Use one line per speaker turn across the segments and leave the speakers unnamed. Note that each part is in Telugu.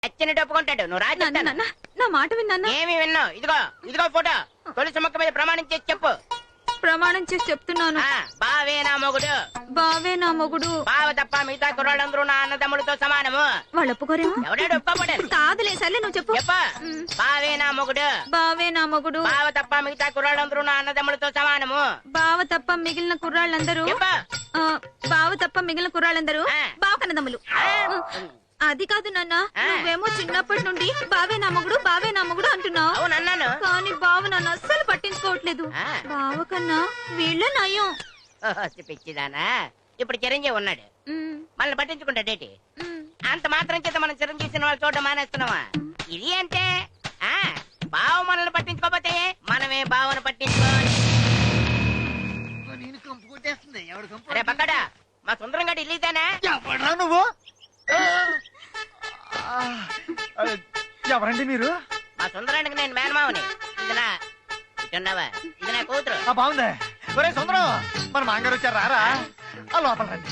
నచ్చినట్టు ఒప్పుకుంటాడు. నువ్వు రాజు
నా మాట విన్నా.
ఏమి విన్నావు? ఇదిగో ఫోటో. తొలిసి మొక్క మీద ప్రమాణం చేసి చెప్పు.
ప్రమాణం చేసి చెప్తున్నాను.
బావే నా మొగుడు.
బావే నా మొగుడు.
బావ తప్ప మిగతా కుర్రాళ్ళందరూ నా అన్నదమ్ముడితో సమానము.
వాళ్ళు ఒప్పుకోరేమో.
ఎవడాడు ఒప్పుకోబడాలి?
కాదులే, సర్లే నువ్వు చెప్పు.
బావే నా మొగుడు.
బావే నా మొగుడు.
బావ తప్ప మిగతా కుర్రాళ్ళందరూ నా అన్నదమ్ముడితో సమానము.
బావ తప్ప మిగిలిన కుర్రాళ్ళందరూ బావ కన్నదమ్ములు. అది కాదు నాన్న, నువ్వేమో చిన్నప్పటి నుండి బావే నా మొగుడు బావే నా మొగుడు అంటున్నావు.
అవునన్నాను.
కానీ బావ నన్ను అస్సలు పట్టించుకోవట్లేదు. బావ కన్నా వీళ్ళ నయం.
పిచ్చిదానా, ఇప్పుడు చిరంజీవి ఉన్నాడు, మనల్ని పట్టించుకుంటాడేటి? అంత మాత్రం చేత మనం చిరంజీవి సినిమాలు చూడడం మానేస్తున్నావా? ఇది అంటే బావ మనల్ని పట్టించుకోకపోతే మనమే బావను పట్టించుకోవాలి. అరే పక్కడా, మా సుందరం గడి ఇల్లీదానా?
నువ్వు ఎవరండి మీరు?
మా సుందరానికి నేను మేనమావని. ఇది నా కూతురు.
బాగుంది. ఒరే సుందరం, మన మాంగారు వచ్చారు, రారా? ఆ లోపల రండి.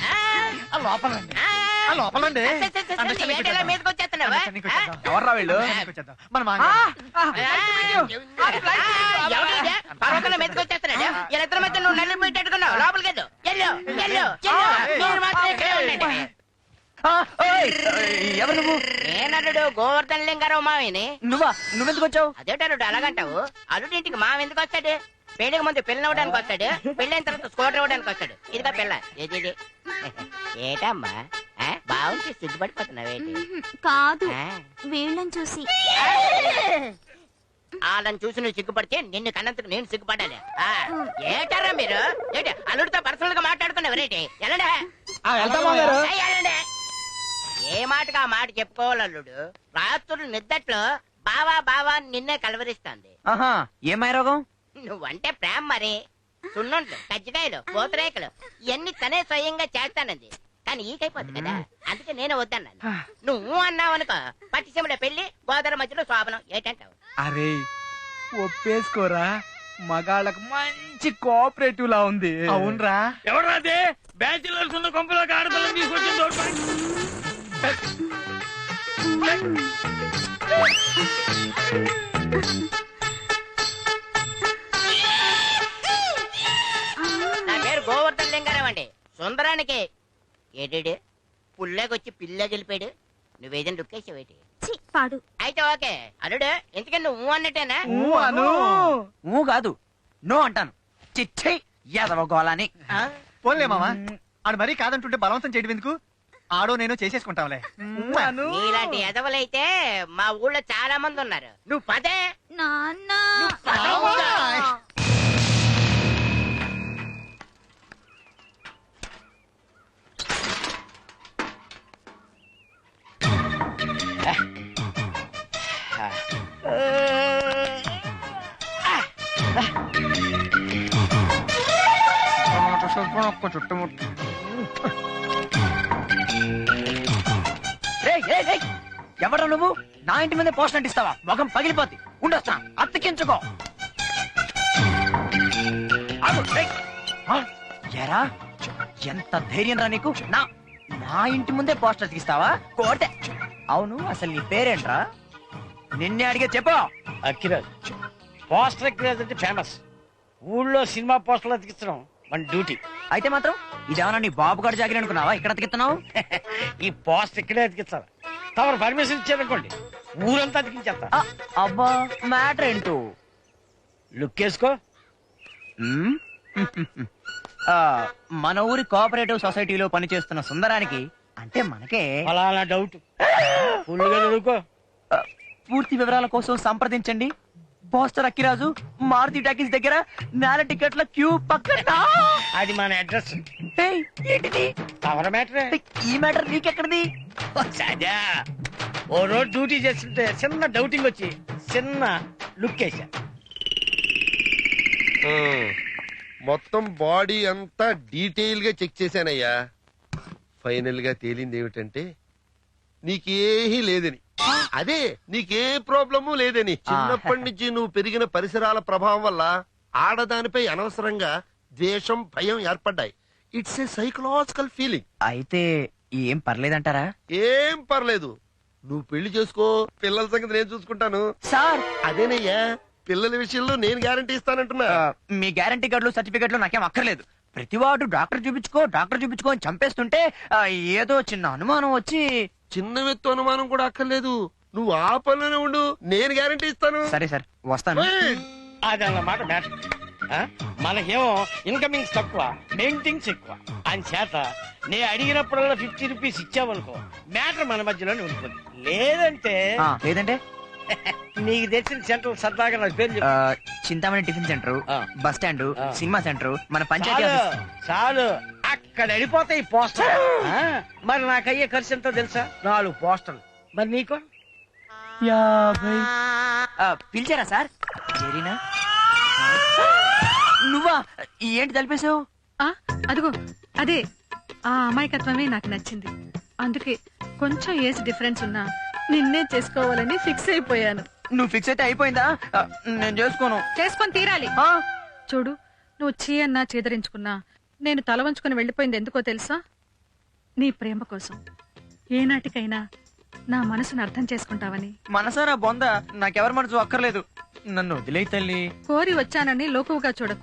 మీదకి వచ్చేస్తున్నావా?
ఎవర్రా వీళ్ళు? మన మాంగారు.
పర్వతంలో మీదకి వచ్చేస్తున్నాడు. వీళ్ళిద్దరి మధ్య నువ్వు నల్లి పోయేటట్టుకున్నావు. లోపలికి వెళ్ళు. మీరు మాత్రం ఇక్కడే ఉండండి.
ఎవరు నువ్వు?
నేనల్లుడు గోవర్ధన్ లింగారావు మావిని.
నువ్వెందుకు వచ్చావు?
అదేటల్లుడు అలాగంటావు? అల్లుడి ఇంటికి మావి ఎందుకు వస్తాడు? పెళ్లికి ముందు పిల్లలు అవ్వడానికి వస్తాడు, పెళ్ళైన తర్వాత స్కూటర్ ఇవ్వడానికి వస్తాడు. ఇదిగా పిల్ల. ఏది ఏటమ్మా బాగుంది, సిగ్గుపడిపోతున్నావేంటి?
కాదు, వీళ్ళని చూసి.
వాళ్ళని చూసి నువ్వు సిగ్గుపడితే నిన్ను కన్నందుకు నేను సిగ్గుపడాలి. ఏటారా మీరు? ఏంటి అల్లుడితో పర్సనల్ గా మాట్లాడుకున్నావు? ఎలాండే ఏ మాటగా మాట చెప్పుకోవాలి అల్లుడు. రాత్రులు నిద్దట్లో బావా బావా నిన్నే కలవరిస్తాంది.
ఏమై రోగం?
నువ్వంటే ప్రేమ మరి. సున్నుంట్లు, కజ్జికాయలు, పూతరేకలు ఇవన్నీ తనే స్వయంగా చేస్తానంది. కానీ ఈకైపోద్ది కదా, అందుకే నేను వద్దన్నాను. నువ్వు అన్నావనుకో పట్టిసీమల పెళ్లి, గోదావరి మధ్యలో శోభనం. ఏంటంటావు?
అరే ఒప్పేసుకోరా, మగాళ్ళకు మంచి కోఆపరేటివ్ లా ఉంది.
అవునరా?
ఎవరాదే బ్యాచులర్స్ ఉన్న కొంపలోకి ఆడపిల్లని తీసుకొచ్చింది?
నా పేరు గోవర్ధన్ లింగారావు అండి. సుందరానికి ఏడు పుల్లాకొచ్చి పిల్ల గెలిపాడు. నువ్వేదైనా రుక్కేసావేటి?
పాడు.
అయితే ఓకే అల్లుడు, ఎందుకని నువ్వు అన్నట్టేనా?
కాదు, నో అంటాను. చిచ్చే యాదవ గోళాని. పోన్లే మామా, ఆడు మరీ కాదంటుంటే బలవంతం చేయడం ఎందుకు? ఆడో నేను చేసేసుకుంటాంలే.
నీలాంటి ఎదవలైతే మా ఊళ్ళో చాలా మంది ఉన్నారు. నువ్వు పదే
నాన్న.
చుట్టుముట్టు
ఎవరా నువ్వు? నా ఇంటి మీద పోస్ట్ అంటిస్తావా? మొఖం పగిలిపోద్ది. ఉండొస్తా, అత్తకించుకో. ఎరా, ఎంత ధైర్యం రా నీకు? నా ఇంటి ముందే పోస్టర్ అతికిస్తావా? కోటే. అవును, అసలు నీ పేరేంట్రా? నిన్నే అడిగే చెప్పు.
అక్కిరాజ్. పోస్టర్ అక్కిరాజ్ అంటే ఫేమస్. ఊళ్ళో సినిమా పోస్టర్లు అతికించడం మన డ్యూటీ.
అయితే మాత్రం ఇదేమన్నా నీ బాబు గారు జాగిరి అనుకున్నావా? ఇక్కడ అతికిస్తున్నావు?
ఈ పోస్టర్ ఇక్కడే అతికించాలి. తమరు పర్మిషన్ ఇచ్చారనుకోండి, ఊరంతా అతికించేస్తా.
అబ్బా, మ్యాటర్ ఏంటో
లుక్ వేసుకో.
మన ఊరి కోఆపరేటివ్ సొసైటీలో పనిచేస్తున్న సుందరానికి, అంటే మనకే
ఫలానా డౌట్. ఫుల్గా చదువుకో.
పూర్తి వివరాల కోసం సంప్రదించండి పోస్టర్ అక్కిరాజు, మారుతి టాకీస్ దగ్గర, నేల టికెట్ల క్యూ పక్కన.
అది మన అడ్రస్.
ఏంటిది?
తమర మ్యాటరే.
ఈ మ్యాటర్ నీకెక్కడిది?
సదా ఓ రోజు డ్యూటీ చేస్తుంటే చిన్న డౌటింగ్ వచ్చి చిన్న లుక్ వేసా.
మొత్తం బాడీ అంతా డీటెయిల్ గా చెక్ చేశానయ్యా. ఫైనల్ గా తేలింది ఏమిటంటే నీకేహీ లేదని. అదే, నీకే ప్రాబ్లము లేదని. చిన్నప్పటి నుంచి నువ్వు పెరిగిన పరిసరాల ప్రభావం వల్ల ఆడదానిపై అనవసరంగా ద్వేషం, భయం ఏర్పడ్డాయి. It's a psychological feeling.
అయితే ఏం పర్లేదంటారా?
ఏం పర్లేదు. నువ్వు పెళ్లి చేసుకో, పిల్లల సంగతి నేను చూసుకుంటాను.
సార్
అదేనయ్యా, పిల్లల విషయంలో నేను గ్యారంటీ ఇస్తానంటున్నా.
మీ గ్యారంటీ కార్డులు సర్టిఫికెట్లు నాకేం అక్కర్లేదు. ప్రతివాడు డాక్టర్ చూపించుకో అని చంపేస్తుంటే ఏదో చిన్న అనుమానం వచ్చి.
చిన్న వ్యక్తి అనుమానం కూడా అక్కర్లేదు, నువ్వు ఆ పనిలోనే ఉండు, నేను గ్యారంటీ ఇస్తాను.
సరే సార్ వస్తాను.
అది అన్నమాట మ్యాటర్. మనకేమో ఇన్కమింగ్స్ తక్కువ, మెయింటింగ్స్ ఎక్కువ. అని చేత నేను అడిగినప్పుడల్లా 50 రూపీస్ ఇచ్చావనుకో, మ్యాటర్ మన మధ్యలోనే ఉంటుంది. లేదంటే
లేదంటే
నీకు తెచ్చిన సెంటర్ సరదాగా నాకు పేరు చెప్పు.
చింతామణి టిఫిన్ సెంటర్,
ఆ.
బస్ స్టాండ్,
ఆ.
సినిమా సెంటర్, మన పంచాయతీ
చాలు
ఆఫీస్.
చాలు, అక్కడ వెళ్ళిపోతాయి పోస్టర్. మరి నాకు అయ్యే ఖర్చు ఎంతో తెలుసా? 4 పోస్టర్లు. మరి నీకు?
50.
పిలిచారా సార్? జరీనా నువ్వా? ఏంటి తలిపేశావు?
అదిగో అదే ఆ అమాయకత్వమే నాకు నచ్చింది. అందుకే కొంచెం ఏజ్ డిఫరెన్స్ ఉన్నా నిన్నే చేసుకోవాలని ఫిక్స్ అయిపోయాను.
నువ్వు ఫిక్స్ అయితే అయిపోయిందా? నేను చేసుకోను.
చేసుకొని తీరాలి. చూడు, నువ్వు చీ అన్నా చేదరించుకున్నా నేను తల వంచుకుని వెళ్ళిపోయింది ఎందుకో తెలుసా? నీ ప్రేమ కోసం. ఏనాటికైనా నా మనసును అర్థం చేసుకుంటావని.
మనసారా బొంద, నాకెవరి మనసు అక్కర్లేదు. నన్ను వదిలేయ్ తల్లి.
కోరి వచ్చానని లోకువుగా చూడకు.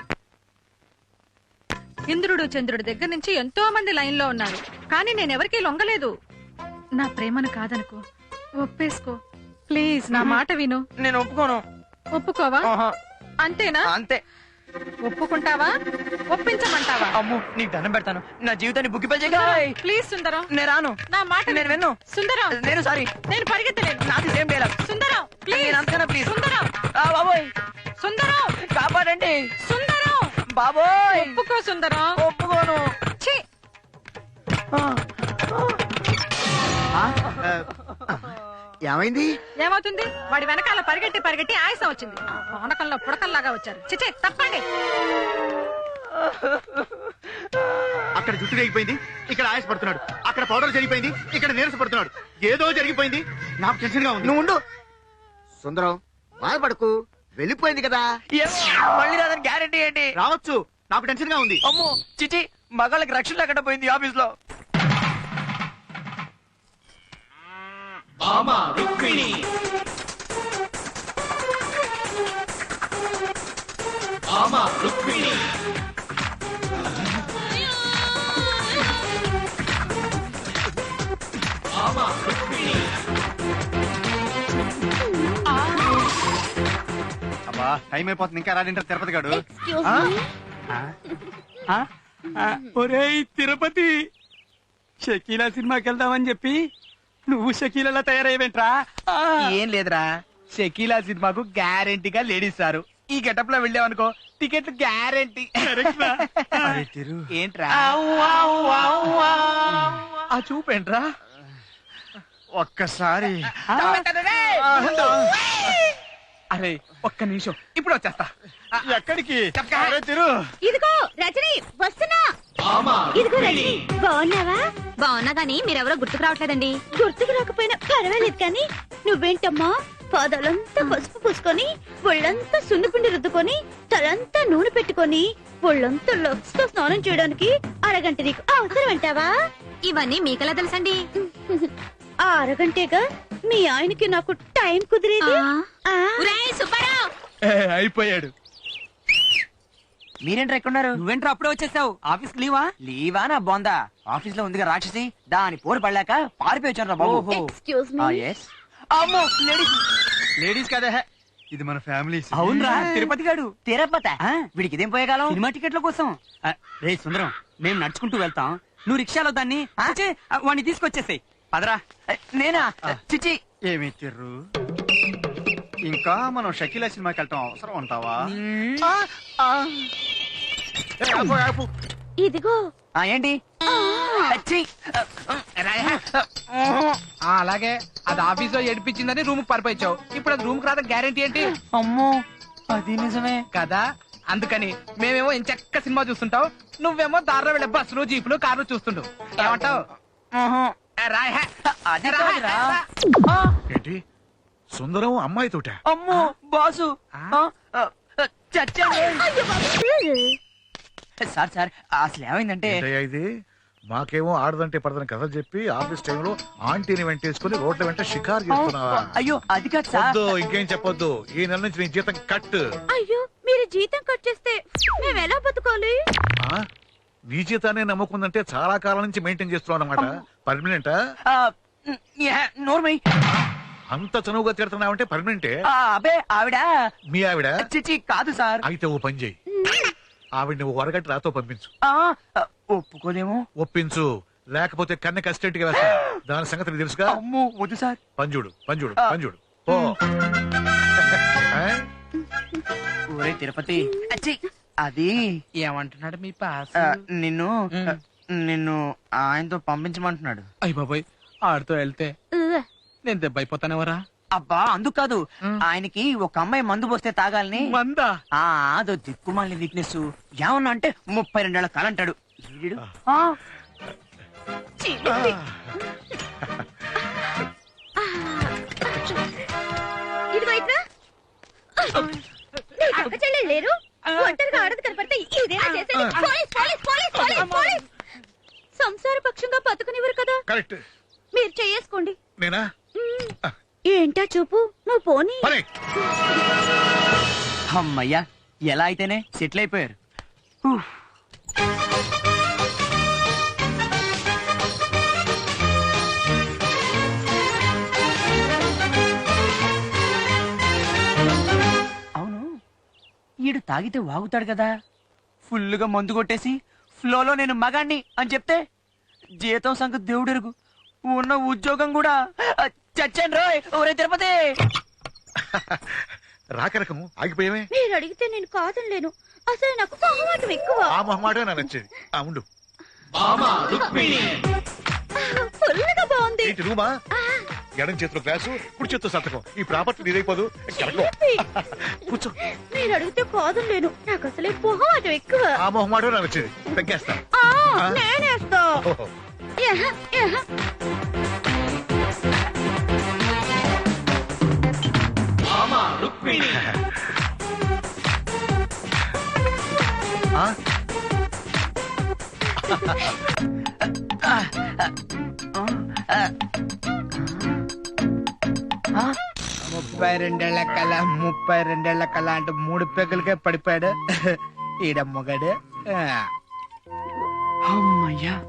ఇంద్రుడు చంద్రుడి దగ్గర నుంచి ఎంతో మంది లైన్ లో ఉన్నారు, కానీ నేనెవరికీ లొంగలేదు. నా ప్రేమను కాదనుకో, ఒప్పేసుకో ప్లీజ్. నా మాట విను.
నేను ఒప్పుకోను.
ఒప్పుకోవా?
ఆహా.
అంతేనా?
అంతే.
ఒప్పుకుంటావా? ఒప్పించమంటావా?
అమ్ము నీకు దండం పెడతాను, నా జీవితాన్ని బుక్కిపల్చేయ్.
ప్లీజ్ సుందరం,
నేను రాను.
నా మాట
నేను విన్ను.
సుందరం,
నేను సారీ,
నేను పరిగెత్తలేను.
నాది సేమ్ డైలాగ్.
Sundaram please.
నేను అంతకన్నా ప్లీజ్.
సుందరం,
బాబోయ్
సుందరం,
కాపాడండి.
సుందరం,
బాబోయ్
ఒప్పుకో సుందరం.
ఒప్పుకోను.
ఛీ,
ఏమైంది?
ఏమవుతుంది? వాడి వెనకాల పరిగెట్టి పరిగెట్టి ఆయాసం వచ్చింది. పానకంలో పుడకల్లాగా వచ్చారు. చిచే తప్పండి.
అక్కడ జుట్టు తెగిపోయింది, ఇక్కడ ఆయాస పడుతున్నాడు. అక్కడ పౌడర్ జరిగిపోయింది, ఇక్కడ నీరస పడుతున్నాడు. ఏదో జరిగిపోయింది, నాకు టెన్షన్ గా ఉంది. నువ్వు ఉండు.
సుందరం, బాధపడకు, వెళ్ళిపోయింది కదా.
మళ్ళీ రాదని గ్యారెంటీ ఏంటి?
రావచ్చు, నాకు టెన్షన్ గా ఉంది.
అమ్మో చిచి, మగాళ్ళకి రక్షణ లేకుండా పోయింది ఆఫీస్ లో.
అబ్బా, టైం అయిపోతుంది, ఇంకా రాడింటారు తిరుపతి గాడు.
ఒరేయ్ తిరుపతి, షకీలా సినిమాకి వెళ్దామని చెప్పి నువ్వు షకీలా తయారయ్యేంట్రా?
ఏం లేదురా,
షకీలా సినిమాకు గ్యారెంటీగా లేడీస్ సారు. ఈ గెటప్ లో వెళ్ళావనుకో టికెట్లు గ్యారెంటీ.
ఏంట్రా
ఆ చూపేంట్రా?
ఒక్కసారి
అరే ఒక్క నిమిషం, ఇప్పుడు వచ్చేస్తా.
ఎక్కడికి?
అరే తిరు,
ఇదిగో రజని వస్తున్నా. ఇదిగో రజని, బాగున్నావా? బాగున్నా గానీ మీరెవరో గుర్తుకు రావట్లేదండి. గుర్తుకు రాకపోయినా పర్వాలేదు కానీ నువ్వేంటమ్మా పాదాలంతా పసుపు పూసుకొని, ఒళ్ళంతా సున్నిపిండి రుద్దుకొని, తలంతా నూనె పెట్టుకొని, ఒళ్ళంతా లక్స్ తో స్నానం చేయడానికి అరగంట నీకు అవసరం అంటావా? ఇవన్నీ మీకెలా తెలుసండి? ఆ అరగంటేగా మీ ఆయనకి నాకు టైం కుదిరేది.
అయిపోయాడు.
మీరేంట్రా ఎక్కడున్నారు?
నువ్వేంట్రా అప్పుడే వచ్చేసావు? ఆఫీస్ లీవా?
లీవా నా బొందా, ఆఫీస్ లో ఉందిగా రాక్షసి, దాని పోరు పడలేక పారిపోయాను రా బాబు.
Excuse me.
yes. అమ్మో లేడీస్.
లేడీస్ కదా, ఇది మన ఫ్యామిలీ.
అవునరా, తిరుపతి గాడు.
తిరుపతి వీడికి ఇదేం పోయేగాలం?
సినిమా టికెట్ల కోసం. రే సుందరం, మేము నడుచుకుంటూ వెళ్తాం, నువ్వు రిక్షాలో దాన్ని వాడిని తీసుకొచ్చేసాయి. పదరా.
నేనా? చిచి,
ఏమి తిర్రు, ఇంకా మనం షకీలా సినిమాకి వెళ్ళటం అవసరం అంటావా?
ఇదిగో
ఏంటి? ఛీ.
అలాగే అది ఆఫీస్ లో ఏడిపించిందని రూమ్ పారిపోయావు. ఇప్పుడు అది రూమ్ కి రాదా గ్యారెంటీ ఏంటి?
అమ్మో అది నిజమే
కదా. అందుకని మేమేమో ఎంచక్క సినిమా చూస్తుంటావు, నువ్వేమో దారిలో వెళ్ళే బస్సులు జీపులు కార్లు చూస్తుంటావు. ఏమంటావు?
అది కాదురా.
ఏంటి సుందరం అమ్మాయితోట?
అమ్మో బాసు, చచ్చాను. సార్ సార్ అసలు ఏమైందంటే
ఇది
మాకేమో ఆడదంటే పడదని కథలు చెప్పి ఆఫీస్ టైంలో ఆంటీని వెంటేసుకుని రోడ్ల వెంట షికారు చేస్తున్నావా?
అయ్యో అది కాదు సార్.
వద్దు, ఇంకేం చెప్పొద్దు. ఈ నెల నుంచి నీ జీతం కట్.
అయ్యో మీరు జీతం కట్ చేస్తే మేము ఎలా బతకాలి?
ఆ? నీ జీతాన్ని నమ్ముకుందంటే చాలా కాలం నుంచి మెయింటైన్ చేస్తున్నావు అన్నమాట. పర్మనెంటా?
నోర్మై.
అంత చనువుగా తిడుతున్నావంటే పర్మనెంటే?
అబే ఆవిడ.
మీ ఆవిడ?
చిచి కాదు సార్.
అయితే ఓ పని చేయి, ఆవిడ నువ్వు వరగట్టి రాతో పంపించు.
ఒప్పుకోదేమో.
ఒప్పించు, లేకపోతే కన్నె కస్టెంట్ గా వేస్తా. దాని సంగతి నీకు తెలుసుగా.
అమ్మో వద్దు సార్.
పంజుడు పంజుడు పంజుడు ఓ.
ఒరే తిరుపతి, అచ్చి, అది
ఏమంటున్నాడు మీ పాస్?
నిన్ను నిన్ను ఆయనతో పంపించమంటున్నాడు.
అయ్య బాబాయ్, ఆడుతూ వెళ్తే నేను దెబ్బైపోతానేవరా?
అబ్బా అందుకు కాదు, ఆయనకి ఒక అమ్మాయి మందు పోస్తే తాగాలని.
మందా?
అదో దిక్కుమాలిన వీక్నెస్. ఏమన్నా అంటే 32 ఏళ్ల కాలంటాడు.
ఇదిగో ఇట్రా. నీకు అక్క చెల్లెలు లేరు? ఒంటరిగా ఆడదు కనపడితే ఇదేనా చేసేది? Police, police, police, police, police. సంసార పక్షంగా బతుకునివ్వరు కదా.
కరెక్ట్.
మీరు చేసుకోండి.
నేనా?
ఏంటా చూపు, నువ్వు పోనీ.
అమ్మయ్యా, ఎలా అయితేనే సెటిల్ అయిపోయారు. అవును, ఈడు తాగితే వాగుతాడు కదా. ఫుల్లుగా మందు కొట్టేసి ఫ్లోలో నేను మగాణ్ణి అని చెప్తే జీతం సంగతి దేవుడెరుగు, ఉన్న ఉద్యోగం కూడా చచ్చాను రోయ్. ఒరే తిరుపతి,
రాకరకము ఆగిపోయామే.
మీరు అడిగితే నేను కాదనలేను. అసలు నాకు మొహమాటం ఎక్కువ.
ఆ మొహమాటే నాకు నచ్చేది. ఉండు.
ఫుల్గా బాగుంది.
ఏంటి రూమా? ఎడం చేతిలో గ్లాసు, కుడి చేతితో సంతకం. ఈ ప్రాపర్టీ నీదైపోదు. కూర్చో.
మీరు అడిగితే కాదనలేను. నాకు అసలే మొహమాటం ఎక్కువ.
ఆ మొహమాటే నాకు నచ్చేది. తగ్గేస్తా.
నేనేస్తా.
ఓహో.
ముప్పై రెండేళ్ల కళ 32 కళ అంటే 3 పెగ్గులకే పడిపోయాడు ఈడ మొగడు.
అమ్మయ్యా,